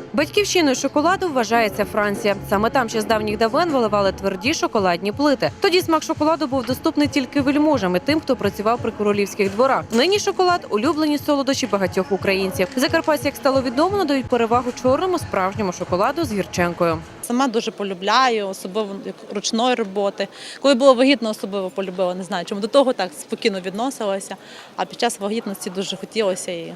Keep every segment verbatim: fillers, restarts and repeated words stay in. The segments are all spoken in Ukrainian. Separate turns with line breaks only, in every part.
Батьківщиною шоколаду вважається Франція. Саме там ще з давніх давен виливали тверді шоколадні плити. Тоді смак шоколаду був доступний тільки вельможам і тим, хто працював при королівських дворах. Нині шоколад – улюблені солодощі багатьох українців. Закарпатці, як стало відомо, надають перевагу чорному справжньому шоколаду з гірчинкою.
Сама дуже полюбляю, особливо ручної роботи. Коли було вагітно, особливо полюбила, не знаю, чому до того так спокійно відносилася, а під час вагітності дуже хотілося і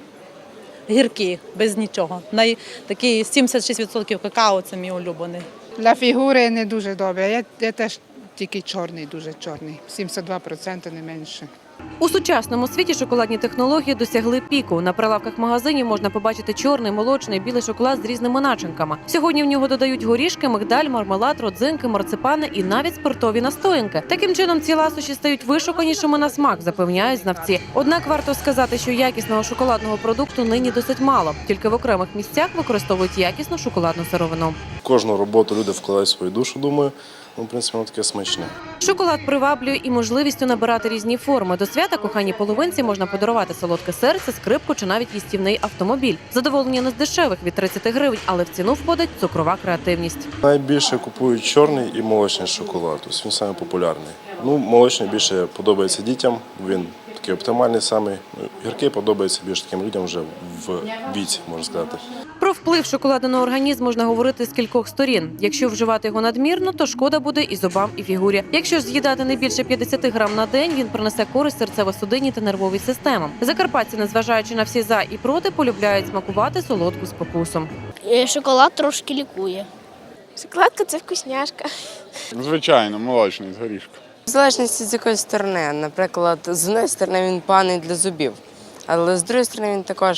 гіркі, без нічого. Най, такий сімдесят шість відсотків какао – це мій улюблений.
Для фігури не дуже добре, я, я теж тільки чорний, дуже чорний, сімдесят два відсотки не менше.
У сучасному світі шоколадні технології досягли піку. На прилавках магазинів можна побачити чорний, молочний, білий шоколад з різними начинками. Сьогодні в нього додають горішки, мигдаль, мармелад, родзинки, марципани і навіть спиртові настоянки. Таким чином ці ласощі стають вишуканішими на смак, запевняють знавці. Однак варто сказати, що якісного шоколадного продукту нині досить мало. Тільки в окремих місцях використовують якісну шоколадну сировину.
Кожну роботу люди вкладають свою душу, думаю. Ну, в принципі, воно таке смачне.
Шоколад приваблює і можливістю набирати різні форми. До свята коханій половинці можна подарувати солодке серце, скрипку чи навіть їстівний автомобіль. Задоволення не з дешевих – від тридцяти гривень, але в ціну входить цукрова креативність.
Найбільше купують чорний і молочний шоколад. Тобто він самий популярний. Ну, молочний більше подобається дітям, він такий оптимальний самий. Гіркий подобається більш таким людям вже в віці, можна сказати.
Про вплив шоколаду на організм можна говорити з кількох сторін. Якщо вживати його надмірно, то шкода буде і зубам, і фігурі. Якщо ж з'їдати не більше п'ятдесят грам на день, він принесе користь серцево-судинній та нервовій системам. Закарпатці, незважаючи на всі за і проти, полюбляють смакувати солодку спокусом.
Шоколад трошки лікує.
Шоколадка – це вкусняшка.
Звичайно, молочний з горішком.
В залежності з якої сторони. Наприклад, з однієї сторони він поганий для зубів, але з іншої сторони він також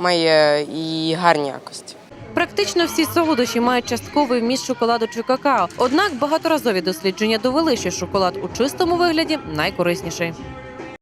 має і гарні якості.
Практично всі солодощі мають частковий вміст шоколаду чи какао. Однак багаторазові дослідження довели, що шоколад у чистому вигляді найкорисніший.